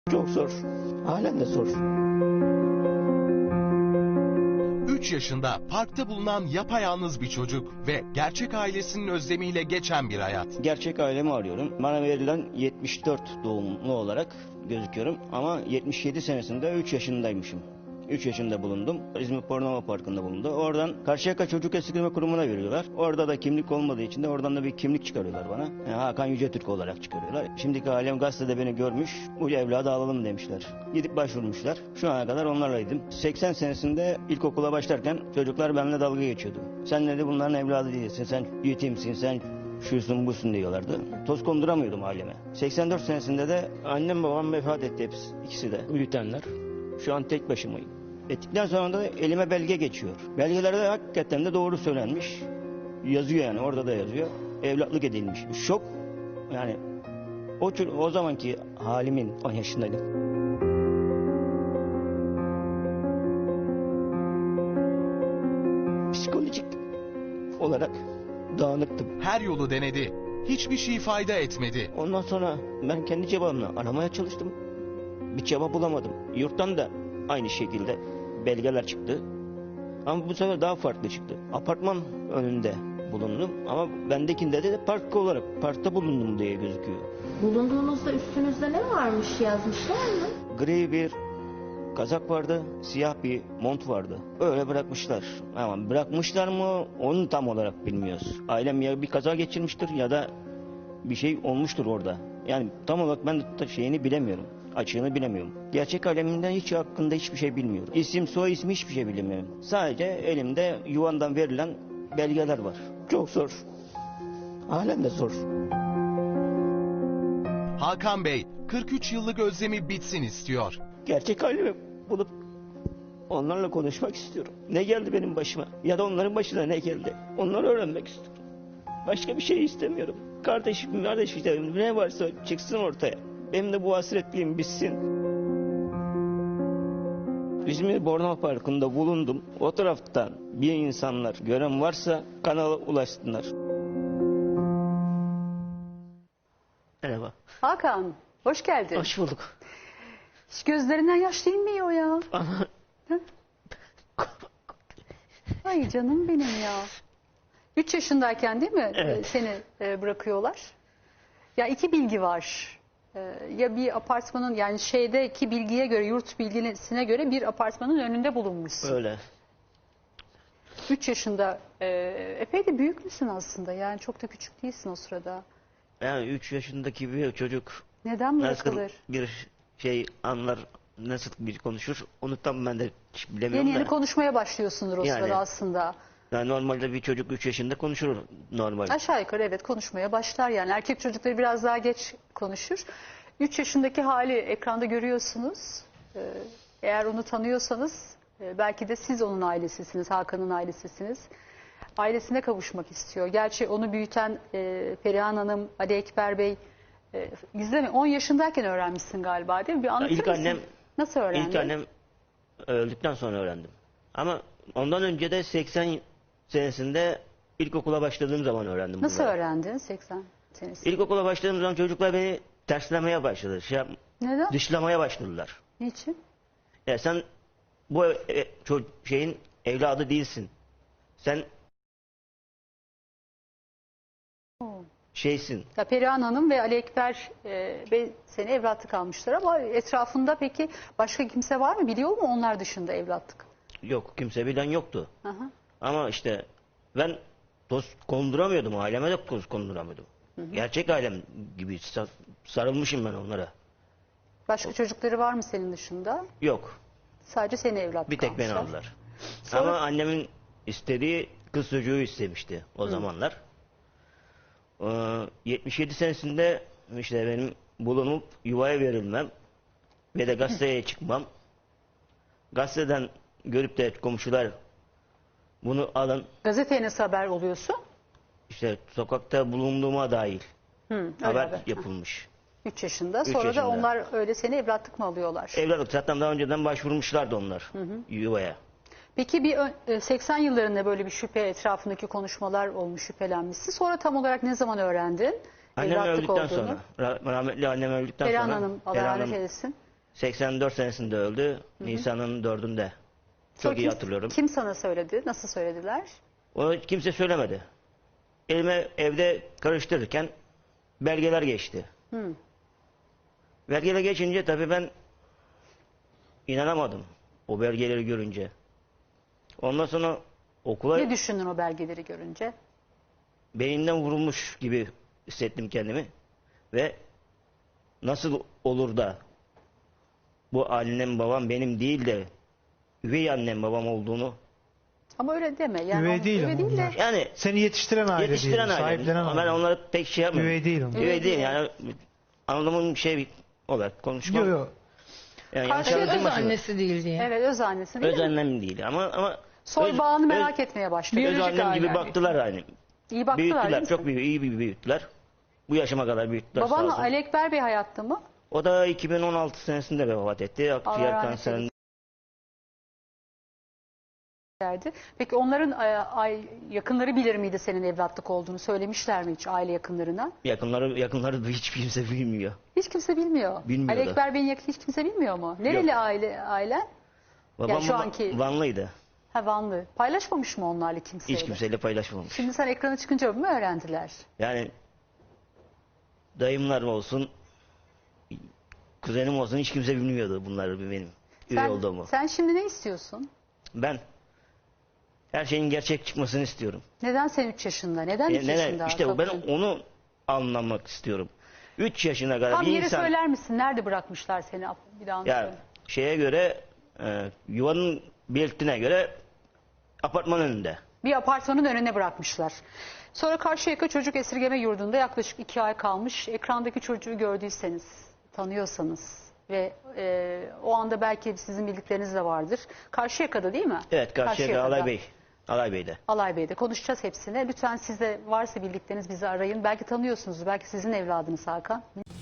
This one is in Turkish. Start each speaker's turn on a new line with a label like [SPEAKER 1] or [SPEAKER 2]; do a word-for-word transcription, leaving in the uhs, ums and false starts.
[SPEAKER 1] Çok zor. Halen de zor.
[SPEAKER 2] üç yaşında parkta bulunan yapayalnız bir çocuk ve gerçek ailesinin özlemiyle geçen bir hayat.
[SPEAKER 1] Gerçek ailemi arıyorum. Bana verilen yetmiş dört doğumlu olarak gözüküyorum. Ama yetmiş yedi senesinde üç yaşındaymışım. üç yaşında bulundum. İzmir Bornova Parkı'nda bulundu. Oradan Karşıyaka Çocuk Esirgeme Kurumu'na veriyorlar. Orada da kimlik olmadığı için de oradan da bir kimlik çıkarıyorlar bana. Yani Hakan Yücetürk olarak çıkarıyorlar. Şimdiki ailem gazetede beni görmüş. Bu evladı alalım demişler. Gidip başvurmuşlar. Şu ana kadar onlarlaydım. seksen senesinde ilkokula başlarken çocuklar benimle dalga geçiyordu. Sen dedi bunların evladı değilsin. Sen yetimsin. Sen şusun busun diyorlardı. Toz konduramıyordum aileme. seksen dört senesinde de annem babam vefat etti hepsi. İkisi de büyütenler. Şu an tek başımayım. Ettikten sonra da elime belge geçiyor. Belgelerde hakikaten de doğru söylenmiş. Yazıyor yani, orada da yazıyor. Evlatlık edilmiş. Şok. Yani o, o zamanki halimin on yaşındaydım. Psikolojik olarak dağınıktım.
[SPEAKER 2] Her yolu denedi. Hiçbir şey fayda etmedi.
[SPEAKER 1] Ondan sonra ben kendi cevabımla aramaya çalıştım. Bir cevap bulamadım. Yurttan da aynı şekilde belgeler çıktı. Ama bu sefer daha farklı çıktı. Apartman önünde bulundum ama bendekinde de park olarak parkta bulundum diye gözüküyor.
[SPEAKER 3] Bulunduğunuzda üstünüzde ne varmış yazmışlar mı?
[SPEAKER 1] Gri bir kazak vardı, siyah bir mont vardı. Öyle bırakmışlar. Ama bırakmışlar mı onu tam olarak bilmiyoruz. Ailem ya bir kaza geçirmiştir ya da bir şey olmuştur orada. Yani tam olarak ben de şeyini bilemiyorum. Açığını bilemiyorum. Gerçek alemimden hiç hakkında hiçbir şey bilmiyorum. İsim, soy ismi hiçbir şey bilmiyorum. Sadece elimde yuvandan verilen belgeler var. Çok zor. Halen de zor.
[SPEAKER 2] Hakan Bey kırk üç yıllık özlemi bitsin istiyor.
[SPEAKER 1] Gerçek ailemi bulup onlarla konuşmak istiyorum. Ne geldi benim başıma ya da onların başına ne geldi? Onları öğrenmek istiyorum. Başka bir şey istemiyorum. Kardeşim, kardeş işte ne varsa çıksın ortaya. Benim de bu hasretliğim bitsin. İzmir Bornova Parkı'nda bulundum. O taraftan bir insanlar gören varsa kanala ulaşsınlar. Merhaba.
[SPEAKER 4] Hakan, hoş geldin.
[SPEAKER 1] Hoş bulduk.
[SPEAKER 4] Hiç gözlerinden yaş değmiyor ya.
[SPEAKER 1] Ama
[SPEAKER 4] Ay canım benim ya. Üç yaşındayken değil mi
[SPEAKER 1] Evet.
[SPEAKER 4] e, seni e, bırakıyorlar? Ya iki bilgi var. E, ya bir apartmanın yani şeydeki bilgiye göre, yurt bilgisine göre bir apartmanın önünde bulunmuşsun.
[SPEAKER 1] öyle.
[SPEAKER 4] Üç yaşında e, epey de büyük müsün aslında? Yani çok da küçük değilsin o sırada.
[SPEAKER 1] Yani üç yaşındaki bir çocuk
[SPEAKER 4] Neden
[SPEAKER 1] nasıl
[SPEAKER 4] bırakılır?
[SPEAKER 1] bir şey anlar, nasıl bir konuşur onu tam ben de hiç bilemiyorum
[SPEAKER 4] Yeni yeni
[SPEAKER 1] da.
[SPEAKER 4] konuşmaya başlıyorsundur o
[SPEAKER 1] Yani.
[SPEAKER 4] sırada aslında.
[SPEAKER 1] Yani normalde bir çocuk üç yaşında konuşur normal.
[SPEAKER 4] Aşağı yukarı evet konuşmaya başlar yani. Erkek çocukları biraz daha geç konuşur. üç yaşındaki hali ekranda görüyorsunuz. Ee, Eğer onu tanıyorsanız e, belki de siz onun ailesisiniz, Hakan'ın ailesisiniz. Ailesine kavuşmak istiyor. Gerçi onu büyüten e, Perihan Hanım, Ali Ekber Bey e, gizleme on yaşındayken öğrenmişsin galiba değil mi? Bir anlatır
[SPEAKER 1] İlk
[SPEAKER 4] mısın?
[SPEAKER 1] annem
[SPEAKER 4] Nasıl öğrendin?
[SPEAKER 1] İlk annem öldükten sonra öğrendim. Ama ondan önce de seksen senesinde ilkokula başladığım zaman öğrendim
[SPEAKER 4] Nasıl
[SPEAKER 1] bunları.
[SPEAKER 4] öğrendin seksen senesi?
[SPEAKER 1] İlkokula başladığım zaman çocuklar beni terslemeye başladı. Şey, yap-
[SPEAKER 4] Neden?
[SPEAKER 1] dışlamaya başladılar.
[SPEAKER 4] Niçin?
[SPEAKER 1] Ya sen bu e, ço- şeyin evladı değilsin. Sen
[SPEAKER 4] Oo.
[SPEAKER 1] şeysin.
[SPEAKER 4] Ya Perihan Hanım ve Ali Ekber e, Bey seni evlatlık almışlar ama etrafında peki başka kimse var mı? Biliyor mu onlar dışında evlatlık?
[SPEAKER 1] Yok, kimse bilen yoktu.
[SPEAKER 4] Aha.
[SPEAKER 1] Ama işte ben toz konduramıyordum. Aileme de toz konduramıyordum. Gerçek ailem gibi sa- sarılmışım ben onlara.
[SPEAKER 4] Başka çocukları var mı senin dışında?
[SPEAKER 1] Yok.
[SPEAKER 4] Sadece seni evlatlık
[SPEAKER 1] Bir tek beni
[SPEAKER 4] almışlar.
[SPEAKER 1] aldılar.
[SPEAKER 4] Sonra-
[SPEAKER 1] Ama annemin istediği kız çocuğu istemişti o zamanlar. Ee, yetmiş yedi senesinde işte benim bulunup yuvaya verilmem ve de gazeteye çıkmam. Gazeteden görüp de komşular bunu alın,
[SPEAKER 4] Gazeteye nasıl haber oluyorsun?
[SPEAKER 1] işte sokakta bulunduğuma dair
[SPEAKER 4] Hı, öyle
[SPEAKER 1] haber
[SPEAKER 4] haber.
[SPEAKER 1] yapılmış.
[SPEAKER 4] Üç yaşında.
[SPEAKER 1] Üç
[SPEAKER 4] Sonra
[SPEAKER 1] yaşında.
[SPEAKER 4] da onlar öyle seni evlatlık mı alıyorlar?
[SPEAKER 1] Evlatlık zaten daha önceden başvurmuşlardı onlar yuvaya.
[SPEAKER 4] Peki bir ön- e, seksen yıllarında böyle bir şüphe etrafındaki konuşmalar olmuş, şüphelenmişsin. Sonra tam olarak ne zaman öğrendin
[SPEAKER 1] Annem
[SPEAKER 4] evlatlık
[SPEAKER 1] öldükten
[SPEAKER 4] olduğunu?
[SPEAKER 1] sonra, rah- rahmetli annem öldükten
[SPEAKER 4] Perihan
[SPEAKER 1] sonra.
[SPEAKER 4] Hanım Allah
[SPEAKER 1] Perihan
[SPEAKER 4] rahmet
[SPEAKER 1] Hanım
[SPEAKER 4] eylesin.
[SPEAKER 1] seksen dört senesinde öldü. Nisan'ın dördünde. Çok
[SPEAKER 4] Sonra
[SPEAKER 1] iyi
[SPEAKER 4] kim-
[SPEAKER 1] hatırlıyorum.
[SPEAKER 4] Kim sana söyledi? Nasıl söylediler?
[SPEAKER 1] Onu kimse söylemedi. Elime evde karıştırırken belgeler geçti.
[SPEAKER 4] Hı.
[SPEAKER 1] Belgeler geçince tabii ben inanamadım o belgeleri görünce. Ondan sonra okula
[SPEAKER 4] Ne düşündün o belgeleri görünce?
[SPEAKER 1] beyinden vurulmuş gibi hissettim kendimi. Ve nasıl olur da bu annem babam benim değil de üvey annem babam olduğunu,
[SPEAKER 4] Ama öyle deme. Yani
[SPEAKER 5] Üvey
[SPEAKER 4] onu-
[SPEAKER 5] değil
[SPEAKER 4] üvey
[SPEAKER 5] ama
[SPEAKER 4] değil de
[SPEAKER 5] bunlar.
[SPEAKER 1] yani
[SPEAKER 5] Seni yetiştiren aile
[SPEAKER 1] yetiştiren
[SPEAKER 5] diyelim,
[SPEAKER 1] aile.
[SPEAKER 5] sahiplenen
[SPEAKER 1] Ama ben
[SPEAKER 5] aile.
[SPEAKER 1] onları pek şey yapmıyorum.
[SPEAKER 5] Üvey değil onlar.
[SPEAKER 1] Üvey
[SPEAKER 4] Üvey
[SPEAKER 1] değil
[SPEAKER 4] değil.
[SPEAKER 1] yani anladığım şey olarak konuşmam.
[SPEAKER 5] Yok yok.
[SPEAKER 1] Yani yanlış
[SPEAKER 4] Karşı-
[SPEAKER 6] Öz
[SPEAKER 1] anlaşılmasın.
[SPEAKER 6] annesi değil diye.
[SPEAKER 4] evet öz annesi değil
[SPEAKER 1] Öz
[SPEAKER 4] mi?
[SPEAKER 1] annem değil ama ama
[SPEAKER 4] Soy
[SPEAKER 1] öz-
[SPEAKER 4] bağını
[SPEAKER 1] öz-
[SPEAKER 4] merak etmeye başladı.
[SPEAKER 1] Öz
[SPEAKER 6] Biyolojik
[SPEAKER 1] annem gibi
[SPEAKER 6] aile.
[SPEAKER 1] baktılar yani.
[SPEAKER 4] İyi baktılar değil
[SPEAKER 1] Büyüttüler,
[SPEAKER 4] mi
[SPEAKER 1] çok
[SPEAKER 4] sana?
[SPEAKER 1] büyük, iyi bir büyüttüler. Bu yaşıma kadar büyüttüler sağ
[SPEAKER 4] Baban
[SPEAKER 1] olsun.
[SPEAKER 4] Ali Ekber Bey hayatta mı?
[SPEAKER 1] O da iki bin on altı senesinde vefat etti. Akciğer
[SPEAKER 4] rahmet
[SPEAKER 1] kanserinden.
[SPEAKER 4] Derdi. Peki onların e, ay, yakınları bilir miydi senin evlatlık olduğunu? Söylemişler mi hiç aile yakınlarına?
[SPEAKER 1] Yakınları, yakınları da hiç kimse bilmiyor.
[SPEAKER 4] Hiç kimse bilmiyor.
[SPEAKER 1] Bilmiyor
[SPEAKER 4] Ali
[SPEAKER 1] da.
[SPEAKER 4] Ekber Bey'in yakını hiç kimse bilmiyor mu? Nereli
[SPEAKER 1] Yok.
[SPEAKER 4] aile ailen?
[SPEAKER 1] Babam
[SPEAKER 4] şu
[SPEAKER 1] Va-
[SPEAKER 4] anki-
[SPEAKER 1] Vanlıydı.
[SPEAKER 4] Ha Vanlı. Paylaşmamış mı onlarla kimseyle?
[SPEAKER 1] Hiç kimseyle paylaşmamış.
[SPEAKER 4] Şimdi sen ekrana çıkınca mı öğrendiler?
[SPEAKER 1] Yani dayımlar olsun, kuzenim olsun hiç kimse bilmiyordu bunları benim üvey
[SPEAKER 4] Sen,
[SPEAKER 1] olduğumu.
[SPEAKER 4] sen şimdi ne istiyorsun?
[SPEAKER 1] Ben her şeyin gerçek çıkmasını istiyorum.
[SPEAKER 4] Neden sen üç yaşında? Neden
[SPEAKER 1] E,
[SPEAKER 4] üç
[SPEAKER 1] neden?
[SPEAKER 4] yaşında?
[SPEAKER 1] İşte
[SPEAKER 4] Çok
[SPEAKER 1] ben
[SPEAKER 4] üzüldüm.
[SPEAKER 1] onu anlamak istiyorum. üç yaşına kadar
[SPEAKER 4] Tam
[SPEAKER 1] bir
[SPEAKER 4] yeri
[SPEAKER 1] insan
[SPEAKER 4] söyler misin? Nerede bırakmışlar seni? Bir daha
[SPEAKER 1] ya
[SPEAKER 4] söyle.
[SPEAKER 1] şeye göre e, yuvanın belirttiğine göre apartman önünde.
[SPEAKER 4] Bir apartmanın önüne bırakmışlar. Sonra Karşıyaka Çocuk Esirgeme Yurdu'nda yaklaşık iki ay kalmış. Ekrandaki çocuğu gördüyseniz, tanıyorsanız ve e, o anda belki sizin bildikleriniz de vardır. Karşıyaka'da değil mi?
[SPEAKER 1] Evet, Karşıyaka
[SPEAKER 4] Karşıyaka'da.
[SPEAKER 1] Alay Bey. Alay Bey'de.
[SPEAKER 4] Alay Bey'de konuşacağız hepsine. Lütfen siz de varsa bildikleriniz bizi arayın. Belki tanıyorsunuz, belki sizin evladınız Hakan.